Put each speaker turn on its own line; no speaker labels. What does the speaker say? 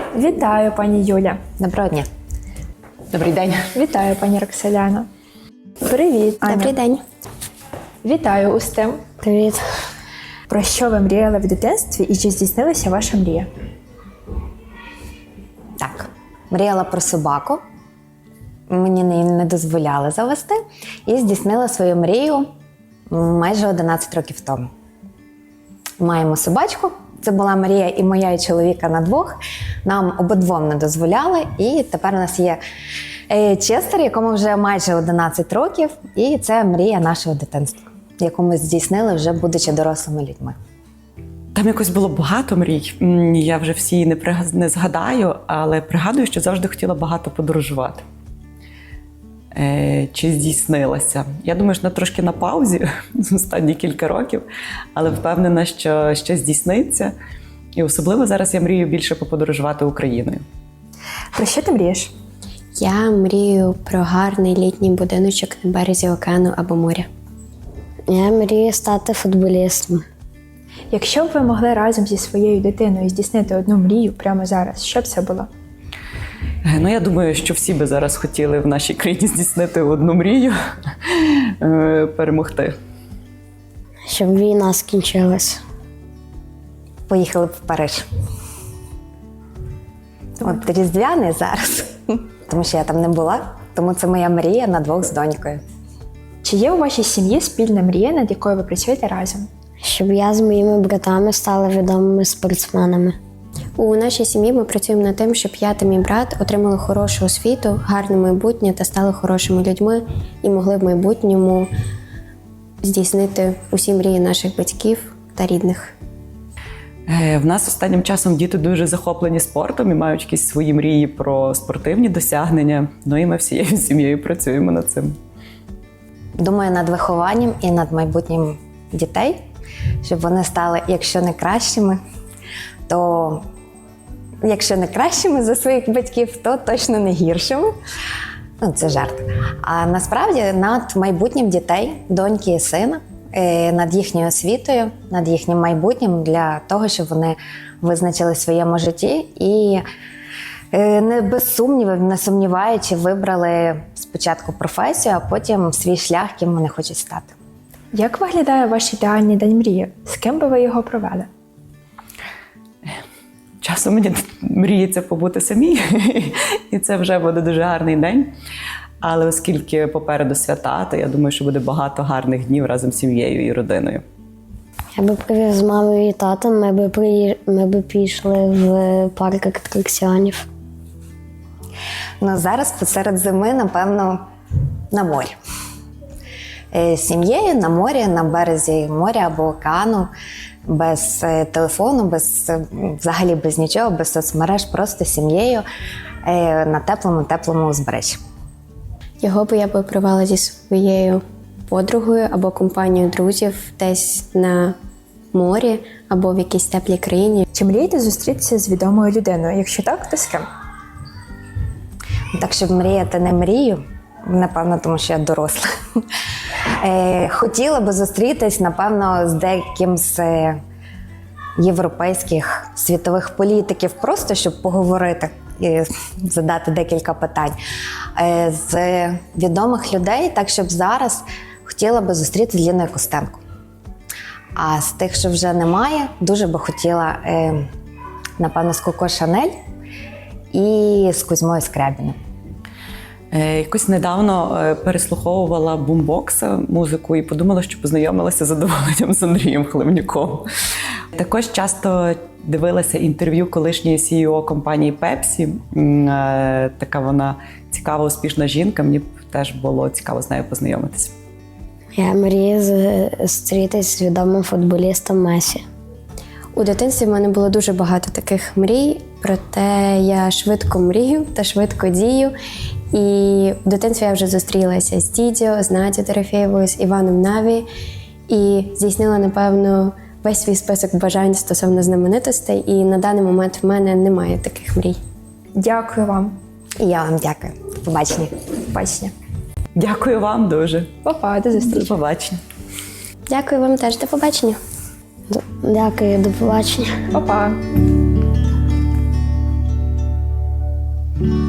Вітаю, пані Юля.
Доброго дня. Добрий день.
Вітаю, пані Роксоляна. Привіт, Аня.
Добрий день.
Вітаю, Устим.
Привіт.
Про що ви мріяли в дитинстві і чи здійснилася ваша мрія?
Так, мріяла про собаку. Мені не дозволяли завести. І здійснила свою мрію майже 11 років тому. Маємо собачку. Це була мрія і моя, і чоловіка на двох. Нам обидвом не дозволяли. І тепер у нас є Честер, якому вже майже 11 років. І це мрія нашого дитинства, яку ми здійснили вже будучи дорослими людьми.
Там якось було багато мрій. Я вже всі не згадаю, але пригадую, що завжди хотіла багато подорожувати. Чи здійснилося? Я думаю, що трошки на паузі останні кілька років, але впевнена, що ще здійсниться. І особливо зараз я мрію більше поподорожувати Україною.
Про що ти мрієш?
Я мрію про гарний літній будиночок на березі океану або моря.
Я мрію стати футболістом.
Якщо б ви могли разом зі своєю дитиною здійснити одну мрію прямо зараз, що б це було?
Я думаю, що всі би зараз хотіли в нашій країні здійснити одну мрію – перемогти.
Щоб війна скінчилась.
Поїхали б в Париж. От Різдвяний зараз, тому що я там не була, тому це моя мрія на двох з донькою.
Чи є у вашій сім'ї спільна мрія, над якою ви працюєте разом?
Щоб я з моїми братами стали відомими спортсменами.
У нашій сім'ї ми працюємо над тим, щоб я та мій брат отримали хорошу освіту, гарне майбутнє та стали хорошими людьми і могли в майбутньому здійснити усі мрії наших батьків та рідних.
В нас останнім часом діти дуже захоплені спортом і мають якісь свої мрії про спортивні досягнення. І ми всією сім'єю працюємо над цим.
Думаю над вихованням і над майбутнім дітей, щоб вони стали, якщо не кращими, то якщо не кращими за своїх батьків, то точно не гіршими. Це жарт. А насправді над майбутнім дітей, доньки і сина, над їхньою освітою, над їхнім майбутнім для того, щоб вони визначили в своєму житті і не без сумнівів, не сумніваючи, вибрали спочатку професію, а потім свій шлях, ким вони хочуть стати.
Як виглядає ваш ідеальний день мрії? З ким би ви його провели?
Часом мені мріється побути самій, і це вже буде дуже гарний день. Але оскільки попереду свята, то я думаю, що буде багато гарних днів разом з сім'єю і родиною.
Я би привів з мамою і татом, ми би пішли в парк атракціонів.
Зараз посеред зими, напевно, на морі. З сім'єю на морі, на березі моря або океану, без телефону, взагалі без нічого, без соцмереж, просто з сім'єю на теплому узбережжі.
Його би я провела зі своєю подругою або компанією друзів десь на морі або в якійсь теплій країні.
Чи мрієте зустрітися з відомою людиною? Якщо так, то з ким?
Так, щоб мріяти не мрію, напевно, тому що я доросла. Хотіла би зустрітись, напевно, з деяким з європейських світових політиків, просто щоб поговорити і задати декілька питань. З відомих людей, так, щоб зараз хотіла би зустрітися з Ліною Костенко. А з тих, що вже немає, дуже би хотіла, напевно, з Коко Шанель і з Кузьмою Скрябіним.
Якось недавно переслуховувала бумбокса музику і подумала, що познайомилася з задоволенням з Андрієм Хливнюком. Також часто дивилася інтерв'ю колишньої CEO компанії Pepsi. Така вона цікава, успішна жінка. Мені теж було цікаво з нею познайомитися.
Я мрію зустрітись з відомим футболістом Месі.
У дитинстві в мене було дуже багато таких мрій, проте я швидко мрію та швидко дію. І в дитинстві я вже зустрілася з Дідьо, з Надією Дорофєєвою, з Іваном Наві і здійснила, напевно, весь свій список бажань стосовно знаменитостей. І на даний момент в мене немає таких мрій.
Дякую вам.
І я вам дякую. До побачення.
Побачення.
Дякую вам дуже.
Па-па, до зустрічі.
До побачення.
Дякую вам теж. До побачення.
Дякую, до побачення.
Па-па. Дякую.